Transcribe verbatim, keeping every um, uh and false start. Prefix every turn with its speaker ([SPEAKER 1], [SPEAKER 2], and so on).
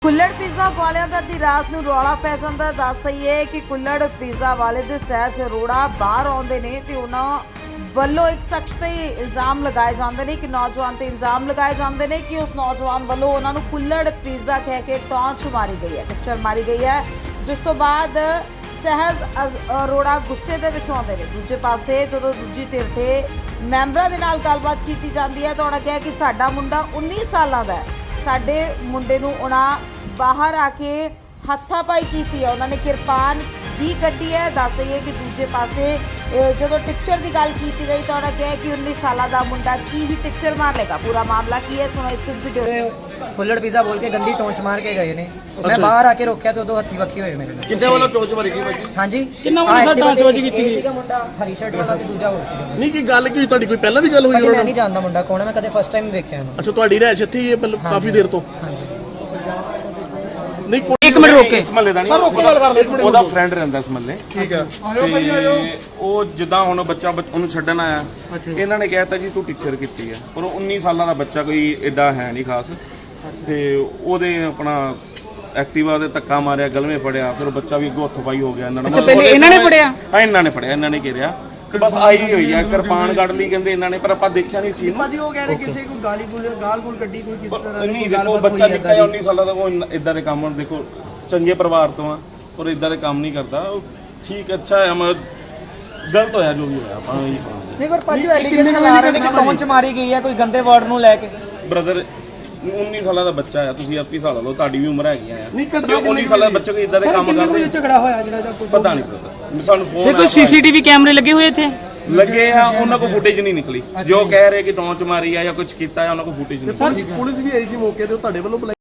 [SPEAKER 1] ਕੁੱਲੜ pizza ਵਾਲਿਆਂ ਦਾ ਦੀ ਰਾਤ ਨੂੰ ਰੌਲਾ ਪੈ ਜਾਂਦਾ। ਦੱਸ ਦਈਏ ਕਿ ਕੁੱਲੜ ਪੀਜ਼ਾ ਵਾਲੇ ਦੇ ਸਹਿਜ ਅਰੋੜਾ ਬਾਹਰ ਆਉਂਦੇ ਨੇ ਤੇ ਉਹਨਾਂ ਵੱਲੋਂ ਇੱਕ ਸ਼ਖਸ ਤੇ ਇਲਜ਼ਾਮ ਲਗਾਏ ਜਾਂਦੇ ਨੇ ਕਿ ਨੌਜਵਾਨ ਤੇ ਇਲਜ਼ਾਮ ਲਗਾਏ ਜਾਂਦੇ ਨੇ ਕਿ ਉਸ ਨੌਜਵਾਨ ਵੱਲੋਂ ਉਹਨਾਂ ਨੂੰ ਕੁੱਲੜ ਪੀਜ਼ਾ ਕਹਿ ਕੇ ਟੌਂਚ ਮਾਰੀ ਗਈ ਹੈ, ਟੱਕਰ ਮਾਰੀ ਗਈ ਹੈ, ਜਿਸ ਤੋਂ ਬਾਅਦ ਸਹਿਜ ਅਰੋੜਾ ਗੁੱਸੇ ਦੇ ਵਿੱਚ ਆਉਂਦੇ ਨੇ। ਦੂਜੇ ਪਾਸੇ ਜਦੋਂ ਦੂਜੀ ਧਿਰ ਤੇ ਮੈਂਬਰਾਂ ਦੇ ਨਾਲ ਗੱਲਬਾਤ ਕੀਤੀ ਜਾਂਦੀ ਹੈ ਤਾਂ ਉਹਨਾਂ ਕਿਹਾ ਕਿ ਸਾਡਾ ਮੁੰਡਾ ਉੱਨੀ ਸਾਲਾਂ ਦਾ ਹੈ, ਸਾਡੇ ਮੁੰਡੇ ਨੂੰ ਉਹਨਾਂ ਬਾਹਰ ਆ ਕੇ ਹੱਥਾਪਾਈ ਕੀਤੀ ਹੈ, ਉਹਨਾਂ ਨੇ ਕਿਰਪਾਨ ਵੀ ਕੱਢੀ ਹੈ। ਦੱਸ ਦਈਏ ਕਿ ਦੂਜੇ ਪਾਸੇ ਜਦੋਂ ਟੀਚਰ ਦੀ ਗੱਲ ਕੀਤੀ ਗਈ ਤਾਂ ਉਹਨਾਂ ਕਿਹਾ ਕਿ ਉੱਨੀ ਸਾਲਾਂ ਦਾ ਮੁੰਡਾ ਕੀ ਹੀ ਟੀਚਰ ਮਾਰ ਲੇਗਾ। ਪੂਰਾ ਮਾਮਲਾ ਕੀ ਹੈ ਸੁਣੋ ਇਸ ਵੀਡੀਓ ਵਿੱਚ।
[SPEAKER 2] ਕੁੱਲੜ ਪੀਜ਼ਾ ਬੋਲ ਕੇ ਗੰਦੀ ਟੌਂਚ ਮਾਰ ਕੇ ਗਏ ਨੇ। ਮੈਂ ਬਾਹਰ ਆ ਕੇ ਰੋਕਿਆ ਤੇ ਉਦੋਂ ਹੱਥੀ ਵੱਖੀ ਹੋਏ ਮੇਰੇ ਨਾਲ।
[SPEAKER 3] ਕਿੰਨੇ ਵੱਲੋਂ ਟੌਂਚ ਮਾਰੀ ਗਈ ਭਾਜੀ?
[SPEAKER 2] ਹਾਂਜੀ
[SPEAKER 4] ਕਿੰਨਾ ਵੱਲੋਂ ਸਰ ਟੌਂਚ ਵੱਜੀ ਕੀਤੀ ਗਈ?
[SPEAKER 2] ਸੀਗਾ ਮੁੰਡਾ ਹਰੀ ਸ਼ਰਟ ਵਾਲਾ ਤੇ ਦੂਜਾ ਹੋਰ ਸੀਗਾ।
[SPEAKER 3] ਨਹੀਂ ਕੀ ਗੱਲ ਕੀ ਤੁਹਾਡੀ ਕੋਈ ਪਹਿਲਾਂ ਵੀ ਗੱਲ ਹੋਈ?
[SPEAKER 2] ਮੈਂ ਨਹੀਂ ਜਾਣਦਾ ਮੁੰਡਾ ਕੌਣ ਹੈ, ਮੈਂ ਕਦੇ ਫਸਟ ਟਾਈਮ ਵੇਖਿਆ ਇਹਨੂੰ।
[SPEAKER 3] ਅੱਛਾ ਤੁਹਾਡੀ ਰਹਿਸ਼ ਇੱਥੇ ਹੀ ਹੈ ਮਤਲਬ ਕਾਫੀ ਦੇਰ ਤੋਂ? ਨਹੀਂ
[SPEAKER 4] ਇੱਕ ਮਿੰਟ ਰੁਕ ਕੇ
[SPEAKER 5] ਇਸ ਮਹੱਲੇ ਦਾ ਨਹੀਂ,
[SPEAKER 3] ਸਰ ਰੁਕ ਕੇ ਗੱਲ ਕਰ ਲੈ ਇੱਕ ਮਿੰਟ।
[SPEAKER 5] ਉਹਦਾ ਫਰੈਂਡ ਰਹਿੰਦਾ ਇਸ ਮਹੱਲੇ।
[SPEAKER 3] ਠੀਕ ਹੈ।
[SPEAKER 5] ਤੇ ਉਹ ਜਿੱਦਾਂ ਹੁਣ ਬੱਚਾ ਬੱਚ- ਉਹਨੂੰ ਛੱਡਣ ਆਇਆ, ਇਹਨਾਂ ਨੇ ਕਹਿਤਾ ਜੀ ਤੂੰ ਟੀਚਰ ਕੀਤੀ ਹੈ, ਪਰ ਉਹ ਉੱਨੀ ਸਾਲਾਂ ਦਾ ਬੱਚਾ ਕੋਈ ਐਡਾ ਹੈ ਨਹੀਂ ਖਾਸ। ਤੇ ਉਹਦੇ ਆਪਣਾ ਐਕਟਿਵਾ ਦੇ ਧੱਕਾ ਮਾਰਿਆ, ਗਲਵੇਂ ਫੜਿਆ, ਫਿਰ ਉਹ ਬੱਚਾ ਵੀ ਅੱਗੋਂ ਹੱਥੋਂ ਪਾਈ ਹੋ ਗਿਆ। ਇਹਨਾਂ
[SPEAKER 4] ਅੱਛਾ ਪਹਿਲੇ ਇਹਨਾਂ ਨੇ ਫੜਿਆ?
[SPEAKER 5] ਹਾਂ ਇਹਨਾਂ ਨੇ ਫੜਿਆ, ਇਹਨਾਂ ਨੇ ਘੇਰਿਆ ਕਿ ਬਸ ਆਈ ਹੋਈ ਆ, ਕਿਰਪਾਨ ਕੱਢ ਲਈ ਕਹਿੰਦੇ ਇਹਨਾਂ ਨੇ, ਪਰ ਆਪਾਂ ਦੇਖਿਆ ਨਹੀਂ ਚੀਜ਼ ਨੂੰ।
[SPEAKER 6] ਭਾਜੀ ਉਹ ਕਹਿ ਰਹੇ ਕਿਸੇ ਕੋਈ ਗਾਲੀ ਗੁਲ ਗਾਲ ਗੁਲ ਕੱਢੀ ਕੋਈ ਕਿਸ ਤਰ੍ਹਾਂ
[SPEAKER 5] ਨਹੀਂ ਦੇਖੋ ਬੱਚਾ ਨਿੱਕਾ ਜਿਹਾ ਉੱਨੀ ਸਾਲਾਂ ਦਾ, ਉਹ ਇਦਾਂ ਦੇ ਕੰਮ ਦੇਖੋ ਚੰਗੇ ਪਰਿਵਾਰ ਤੋਂ ਆ ਔਰ ਇਦਾਂ ਦੇ ਕੰਮ ਨਹੀਂ ਕਰਦਾ। ਠੀਕ ਅੱਛਾ ਹੈ, ਮੈਂ ਗਲਤ ਹੋਇਆ ਜੋ ਵੀ ਹੋਇਆ ਆਪਾਂ ਇਹੀ ਕਹਾਂਗੇ।
[SPEAKER 2] ਨਹੀਂ ਪਰ ਭਾਜੀ ਐਲੀਗੇਸ਼ਨ ਲਾ ਰਹੇ ਨੇ ਕਿ ਟੌਂਚ ਮਾਰੀ ਗਈ ਹੈ ਕੋਈ ਗੰਦੇ ਵਰਡ ਨੂੰ ਲੈ ਕੇ।
[SPEAKER 5] ਬ੍ਰਦਰ ਉੱਨੀ ਸਾਲਾਂ ਦਾ ਬੱਚਾ ਆ, ਤੁਸੀਂ ਆਪੀ ਸਾਲ ਲਓ, ਤੁਹਾਡੀ ਵੀ ਉਮਰ ਹੈਗੀ ਆ।
[SPEAKER 3] ਨਹੀਂ
[SPEAKER 5] ਤੇ
[SPEAKER 3] ਕੱਢਦਾ
[SPEAKER 5] ਉੱਨੀ ਸਾਲਾਂ ਦਾ ਬੱਚਾ ਕੋਈ ਇਦਾਂ ਦੇ ਕੰਮ ਕਰਦੇ
[SPEAKER 6] ਝਗੜਾ ਹੋਇਆ ਜਿਹੜਾ ਜਾਂ ਕੁਝ
[SPEAKER 5] ਪਤਾ ਨਹੀਂ ਪਤਾ। ਸਾਨੂੰ
[SPEAKER 4] ਤੇ
[SPEAKER 5] ਫੋਨ
[SPEAKER 4] ਕੋਈ ਸੀਸੀਟੀਵੀ ਕੈਮਰੇ ਲੱਗੇ ਹੋਏ ਇੱਥੇ?
[SPEAKER 5] ਲੱਗੇ ਆ, ਉਹਨਾਂ ਕੋਲ ਫੁਟੇਜ ਨਹੀਂ ਨਿਕਲੀ। ਜੋ ਕਹਿ ਰਹੇ ਕਿ ਟੌਂਚ ਮਾਰੀ ਆ ਜਾਂ ਕੁਝ ਕੀਤਾ ਆ, ਉਹਨਾਂ ਕੋਲ ਫੁਟੇਜ ਨਹੀਂ।
[SPEAKER 3] ਸਰ ਪੁਲਿਸ ਵੀ ਆਈ ਸੀ ਮੌਕੇ ਤੇ, ਉਹ ਤੁਹਾਡੇ ਵੱਲੋਂ